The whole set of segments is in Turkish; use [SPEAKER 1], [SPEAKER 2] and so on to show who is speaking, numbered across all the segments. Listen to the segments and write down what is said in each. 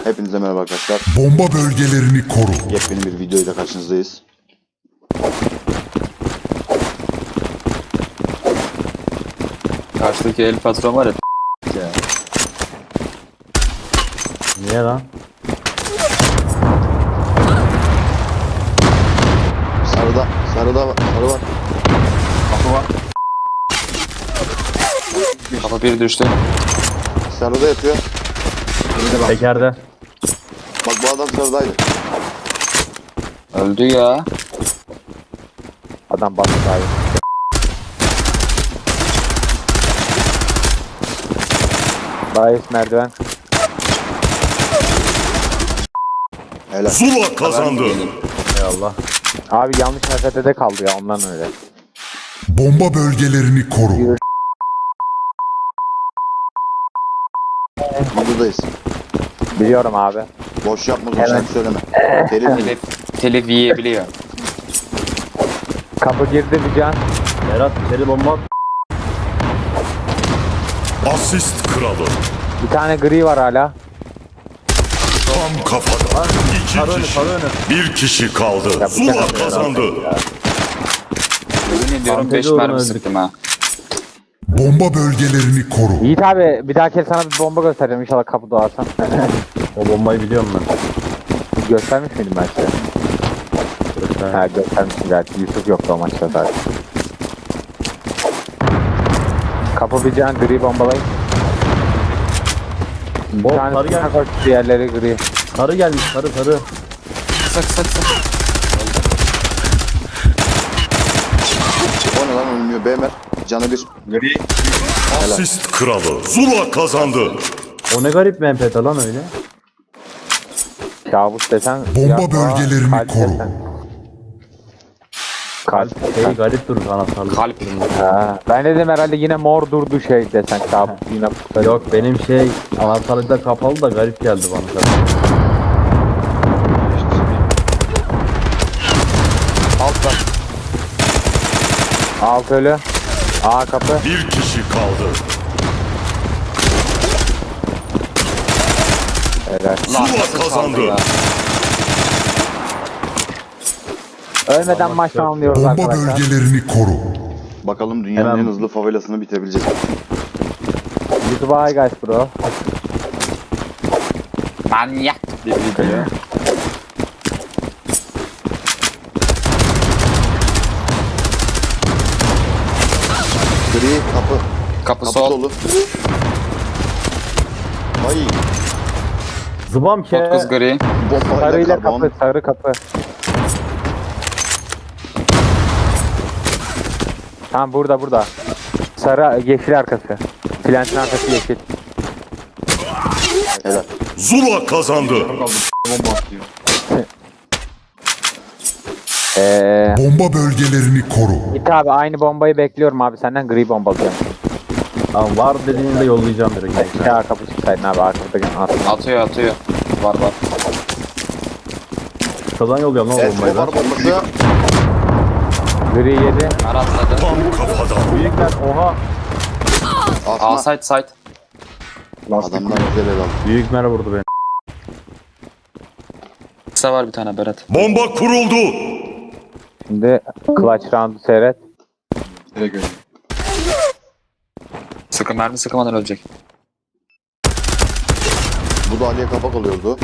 [SPEAKER 1] Hepinize merhaba arkadaşlar.
[SPEAKER 2] Bomba bölgelerini koru.
[SPEAKER 1] Yepyeni bir videoyla karşınızdayız.
[SPEAKER 3] Karşıdaki el patron var ya ya.
[SPEAKER 4] Niye lan?
[SPEAKER 1] Sarı var.
[SPEAKER 3] Kapı var. Kapı bir düştü.
[SPEAKER 1] Sarıda yatıyor.
[SPEAKER 4] Tekerde.
[SPEAKER 1] Bak bu adam sarıdaydı.
[SPEAKER 3] Öldü ya.
[SPEAKER 4] Adam bastı abi. Bayis merdiven.
[SPEAKER 1] Helal.
[SPEAKER 2] Zula kazandı.
[SPEAKER 4] Eyvallah. Abi yanlış mesafede kaldı ya ondan öyle.
[SPEAKER 2] Bomba bölgelerini koru.
[SPEAKER 1] Videodayız.
[SPEAKER 4] Biliyorum abi.
[SPEAKER 1] Boş yapma uzun şarkı söyleme.
[SPEAKER 3] Telif yiyebiliyor.
[SPEAKER 4] Kapı girdi bir can.
[SPEAKER 5] Berat içeri bomba at.
[SPEAKER 2] Asist kralı.
[SPEAKER 4] Bir tane gri var hala.
[SPEAKER 2] Tam kafada. İki kişi. Bir kişi kaldı. Zula kazandı.
[SPEAKER 3] Yemin ediyorum 5
[SPEAKER 5] Fantezi
[SPEAKER 3] mermi
[SPEAKER 5] uğruna
[SPEAKER 3] sıktım ha.
[SPEAKER 2] Bomba bölgelerini koru.
[SPEAKER 4] Yiğit abi bir dahaki sana bir bomba göstereceğim inşallah kapı doğarsan.
[SPEAKER 5] O bombayı biliyorum ben.
[SPEAKER 4] Göstermiş miydim ben size? Ha göstermiştim belki. Yusuf yoktu o maçta zaten. Kapı bir can gri bombalayın. Bir
[SPEAKER 5] Bom
[SPEAKER 4] tane
[SPEAKER 5] sarı
[SPEAKER 4] sana
[SPEAKER 5] gelmiş.
[SPEAKER 4] koş diğerleri gri.
[SPEAKER 5] Sarı gelmiş sarı.
[SPEAKER 3] Sak.
[SPEAKER 1] O ne lan ölmüyor. Bemer. Canı bir.
[SPEAKER 2] Asist kralı. Zula kazandı.
[SPEAKER 5] O ne garip bir MP lan öyle.
[SPEAKER 4] Kabus desen.
[SPEAKER 2] Bomba
[SPEAKER 4] ya,
[SPEAKER 2] bölgelerini
[SPEAKER 4] kalp
[SPEAKER 2] koru.
[SPEAKER 4] desen. Kalp.
[SPEAKER 5] Şey garip durur anahtarlık.
[SPEAKER 3] Kalp.
[SPEAKER 4] Ha, ben dedim herhalde yine mor durdu şey desen kabus yine.
[SPEAKER 5] Yok benim şey anahtarlıkta kapalı da garip geldi bana.
[SPEAKER 1] Alt var.
[SPEAKER 4] Alt ölü. A kapı.
[SPEAKER 2] Bir kişi kaldı.
[SPEAKER 4] Helal.
[SPEAKER 2] Zula kazandı.
[SPEAKER 4] Ölmeden maç tamamlıyoruz
[SPEAKER 2] Bomba
[SPEAKER 4] arkadaşlar.
[SPEAKER 2] bölgelerini koru.
[SPEAKER 1] Bakalım dünyanın
[SPEAKER 5] Hemen.
[SPEAKER 1] en hızlı favelasını bitebileceğiz.
[SPEAKER 4] YouTube'a hi guys bro.
[SPEAKER 3] Manyak bir video.
[SPEAKER 1] Gri kapı.
[SPEAKER 3] Kapı
[SPEAKER 1] Kapı
[SPEAKER 3] sol.
[SPEAKER 1] dolu. Ay.
[SPEAKER 5] Zıbam ke.
[SPEAKER 3] 9 gri.
[SPEAKER 1] Bombayla
[SPEAKER 4] Sarıyla
[SPEAKER 1] karbon.
[SPEAKER 4] kapı, sarı kapı. Tamam burada. Sarı yeşil arkası. Plantin arkası yeşil.
[SPEAKER 1] Helal.
[SPEAKER 2] Zula kazandı. Bomba bölgelerini koru.
[SPEAKER 4] Git abi aynı bombayı bekliyorum abi senden gri bombalayacağım.
[SPEAKER 5] Tamam var dediğinde yollayacağım direkt.
[SPEAKER 4] Ya kapı çıksaydın abi arkada
[SPEAKER 3] Atıyor. Var.
[SPEAKER 5] Kısadan yolluyorum lan o bombayı
[SPEAKER 1] Escobar
[SPEAKER 5] ben.
[SPEAKER 1] bombası.
[SPEAKER 4] Gri yedi.
[SPEAKER 3] Atladı.
[SPEAKER 2] Tam kafadan.
[SPEAKER 5] Büyükler oha.
[SPEAKER 3] A
[SPEAKER 1] Asma.
[SPEAKER 3] site.
[SPEAKER 1] Adamlar güzel el aldı.
[SPEAKER 5] Büyük mer vurdu beni.
[SPEAKER 3] Kısa var bir tane Berat.
[SPEAKER 2] Bomba kuruldu.
[SPEAKER 4] Şimdi clutch round'u seyret.
[SPEAKER 3] Mermi sıkamadan ölecek.
[SPEAKER 1] Bu da Ali'ye kapak oluyordu.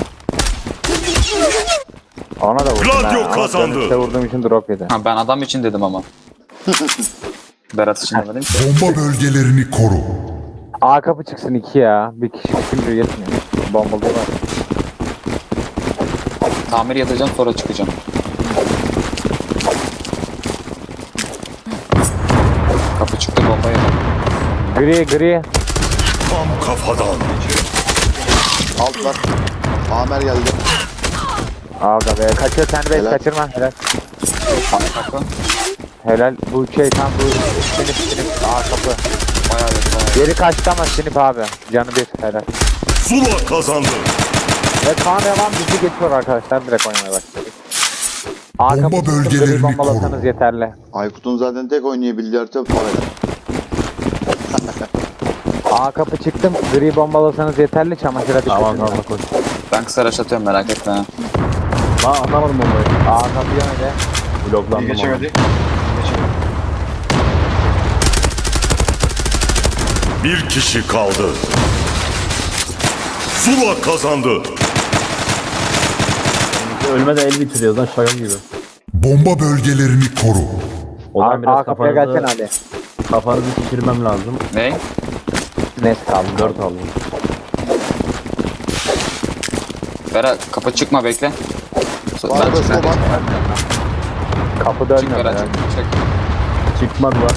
[SPEAKER 4] Ona da vurdum.
[SPEAKER 2] Gladio
[SPEAKER 4] ha, ama
[SPEAKER 2] kazandı.
[SPEAKER 4] dönüşte vurduğum için drop yedi.
[SPEAKER 3] Ha ben adam için dedim ama. Berat için demedim ki.
[SPEAKER 2] Bomba bölgelerini koru.
[SPEAKER 4] A kapı çıksın 2 ya. Bir kişi çıkınca yetmiyor. Bombalı var.
[SPEAKER 3] Tamir yatacağım sonra çıkacağım. Kapı çıktı bombaya.
[SPEAKER 4] Gri.
[SPEAKER 2] Tam kafadan.
[SPEAKER 1] Alt var. Amer geldi.
[SPEAKER 4] Aga be kaçıyor sen de
[SPEAKER 1] Helal.
[SPEAKER 4] kaçırma helal.
[SPEAKER 3] Kapı.
[SPEAKER 4] Helal bu şey tam bu sinip A kapı.
[SPEAKER 3] Bayağı.
[SPEAKER 4] Geri kaçtı ama sinip abi. Canı bir helal.
[SPEAKER 2] Zula kazandı.
[SPEAKER 4] Ve Kaan Revan bizi geçiyor arkadaşlar direkt oynamaya başladık. A
[SPEAKER 2] Bomba
[SPEAKER 4] kapı çıktı,
[SPEAKER 2] bölgelerini
[SPEAKER 4] gri bombalasanız
[SPEAKER 2] koru.
[SPEAKER 4] yeterli.
[SPEAKER 1] Aykut'un zaten tek oynayabildiği harita favela.
[SPEAKER 4] A kapı çıktım gri bombalasanız yeterli çamaşıra dikkat
[SPEAKER 5] Tamam
[SPEAKER 4] edin.
[SPEAKER 5] tamam koş.
[SPEAKER 3] Ben kısa rush atıyorum merak etme. ha.
[SPEAKER 5] Lan anlamadım bombayı.
[SPEAKER 4] Aa kapıya öyle.
[SPEAKER 5] Bloklandım.
[SPEAKER 6] Geçemedi.
[SPEAKER 2] Bir kişi kaldı. Zula kazandı.
[SPEAKER 5] abi. Ölmeden el bitiriyoruz lan şaka gibi.
[SPEAKER 7] Bomba bölgelerini koru.
[SPEAKER 5] O zaman biraz
[SPEAKER 4] Kapıya gelsene
[SPEAKER 5] kafanızı,
[SPEAKER 4] Ali.
[SPEAKER 5] kafanızı şişirmem lazım.
[SPEAKER 3] Ne?
[SPEAKER 4] Net kaldı.
[SPEAKER 5] 4 aldım.
[SPEAKER 3] Berat kapı çıkma bekle.
[SPEAKER 1] Var
[SPEAKER 3] Ben
[SPEAKER 1] da
[SPEAKER 3] çıkma.
[SPEAKER 1] var.
[SPEAKER 4] Kapı
[SPEAKER 3] Çık
[SPEAKER 4] dönmüyor.
[SPEAKER 3] Berat
[SPEAKER 4] Yani.
[SPEAKER 3] çık.
[SPEAKER 5] Çıkmadılar.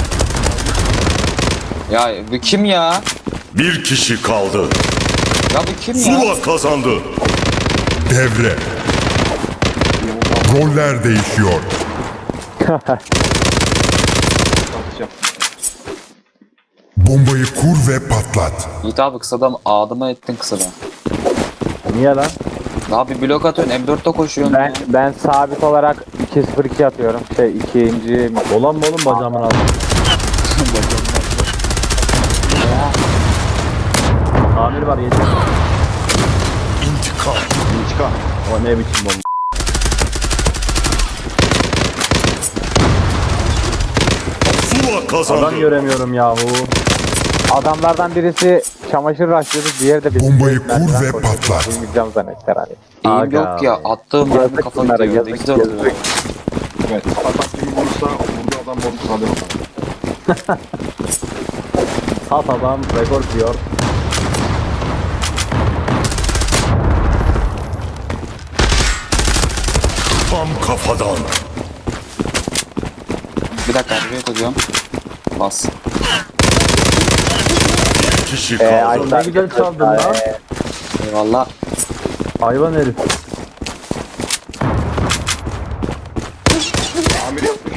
[SPEAKER 3] Ya bu kim ya?
[SPEAKER 2] Bir kişi kaldı.
[SPEAKER 3] Ya bu kim ya?
[SPEAKER 2] Zula kazandı.
[SPEAKER 7] Devre. Roller değişiyor. Bombayı kur ve patlat.
[SPEAKER 3] Yiğit abi kısadan ağdıma ettin kısadan.
[SPEAKER 5] Niye lan?
[SPEAKER 3] Daha bir blok atıyorsun M4'te koşuyorsun ya.
[SPEAKER 4] Ben sabit olarak 2-0-2 atıyorum. İkinci
[SPEAKER 5] Olan mı oğlum bacağımın altı? Tamir var yeter.
[SPEAKER 2] İntikam.
[SPEAKER 1] İntikam.
[SPEAKER 5] O ne biçim bomba?
[SPEAKER 2] Zula
[SPEAKER 5] Adam
[SPEAKER 2] kazandı.
[SPEAKER 5] göremiyorum yahu.
[SPEAKER 4] adamlardan birisi çamaşır raşlıyordu, diğeri de bizim
[SPEAKER 7] Bombayı kur
[SPEAKER 4] merdiven
[SPEAKER 7] ve
[SPEAKER 4] koşuyordu.
[SPEAKER 7] patlat.
[SPEAKER 4] Duymayacağım zannettiler hani.
[SPEAKER 3] Eğim
[SPEAKER 5] Aga
[SPEAKER 3] yok ya. Attığım mermi
[SPEAKER 4] Yazık
[SPEAKER 3] kafa
[SPEAKER 4] bunlara,
[SPEAKER 3] gidiyor. Ne
[SPEAKER 4] yazık,
[SPEAKER 3] güzel oluyor.
[SPEAKER 4] yazık.
[SPEAKER 6] Evet. Atak kimi vurursa vurduğu adam bozuk kalır.
[SPEAKER 5] Sat adam rekor diyor.
[SPEAKER 2] Tam kafadan.
[SPEAKER 3] Bir dakika reload ediyorum. Bas.
[SPEAKER 2] Bir kişi kaldı.
[SPEAKER 4] Ayşe-
[SPEAKER 5] Ne güzel çaldın lan.
[SPEAKER 3] Eyvallah.
[SPEAKER 5] Hayvan herif.
[SPEAKER 6] Amir yapmış.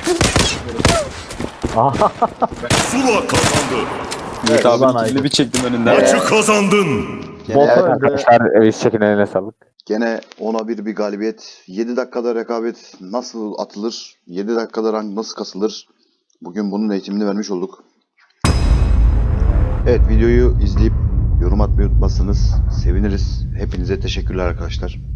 [SPEAKER 2] Zula kazandı.
[SPEAKER 3] Yiğit
[SPEAKER 5] Ulan
[SPEAKER 3] abi
[SPEAKER 5] Aykut.
[SPEAKER 3] ikili bir çektim önünden.
[SPEAKER 2] Maçı kazandın.
[SPEAKER 1] Gene,
[SPEAKER 5] Bota öldü.
[SPEAKER 4] Arkadaşlar evi çekin, eline sağlık.
[SPEAKER 1] gene 10'a 1 bir galibiyet. 7 dakikada rekabet nasıl atılır? 7 dakikada rank nasıl kasılır? Bugün bunun eğitimini vermiş olduk. Evet, videoyu izleyip yorum atmayı unutmazsanız seviniriz. Hepinize teşekkürler arkadaşlar.